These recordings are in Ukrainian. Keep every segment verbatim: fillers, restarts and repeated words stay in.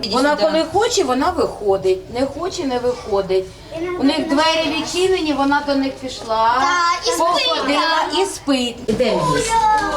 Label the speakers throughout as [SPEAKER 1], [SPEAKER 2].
[SPEAKER 1] Вона коли хоче, вона виходить, не хоче, не виходить. У них двері відчинені, вона до них пішла, походила і спить. Ідемо їсти.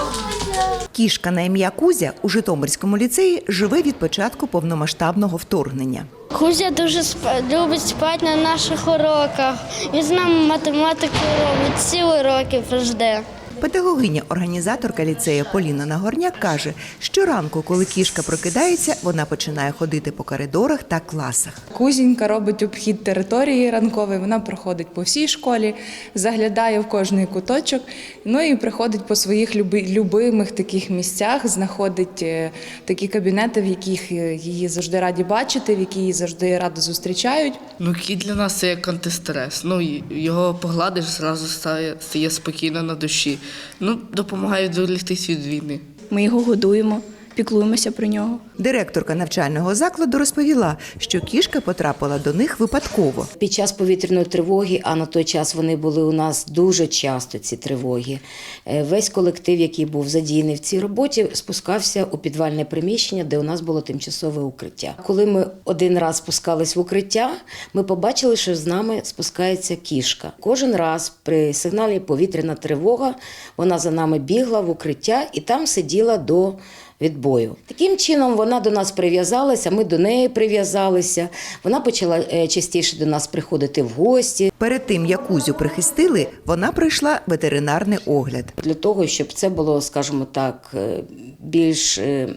[SPEAKER 2] Кішка на ім'я Кузя у Житомирському ліцеї живе від початку повномасштабного вторгнення.
[SPEAKER 3] Кузя дуже спа- любить спати на наших уроках. Він з нами математику робить, всі уроки жде.
[SPEAKER 2] Педагогиня-організаторка ліцею Поліна Нагорняк каже, щоранку, коли кішка прокидається, вона починає ходити по коридорах та класах.
[SPEAKER 4] Кузінька робить обхід території ранковий, вона проходить по всій школі, заглядає в кожний куточок, ну і приходить по своїх люби, любимих таких місцях, знаходить е, такі кабінети, в яких її завжди раді бачити, в які її завжди радо зустрічають.
[SPEAKER 5] Ну, кіт для нас це як антистрес. Ну, й- його погладиш, зразу стає, стає спокійно на душі. Ну, допомагає відволіктись від війни.
[SPEAKER 6] Ми його годуємо, піклуємося про нього.
[SPEAKER 2] Директорка навчального закладу розповіла, що кішка потрапила до них випадково.
[SPEAKER 1] Під час повітряної тривоги, а на той час вони були у нас дуже часто, ці тривоги, е, весь колектив, який був задіяний в цій роботі, спускався у підвальне приміщення, де у нас було тимчасове укриття. Коли ми один раз спускались в укриття, ми побачили, що з нами спускається кішка. Кожен раз при сигналі повітряна тривога, вона за нами бігла в укриття і там сиділа до відбою. Таким чином вона до нас прив'язалася, ми до неї прив'язалися. Вона почала е, частіше до нас приходити в гості.
[SPEAKER 2] Перед тим, як Кузю прихистили, вона пройшла ветеринарний огляд.
[SPEAKER 1] Для того, щоб це було, скажімо так, е, більш е,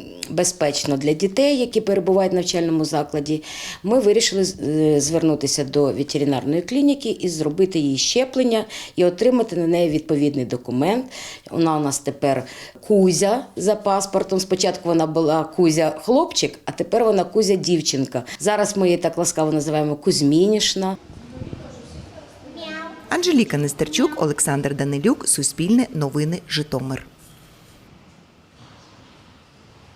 [SPEAKER 1] безпечно для дітей, які перебувають в навчальному закладі, ми вирішили е, звернутися до ветеринарної клініки і зробити їй щеплення і отримати на неї відповідний документ. Вона у нас тепер Кузя за паспортом. Спочатку вона була Кузя-хлопчик, а тепер вона Кузя-дівчинка. Зараз ми її так ласкаво називаємо Кузьмінішна.
[SPEAKER 2] Анжеліка Нестерчук, Олександр Данилюк, Суспільне новини, Житомир.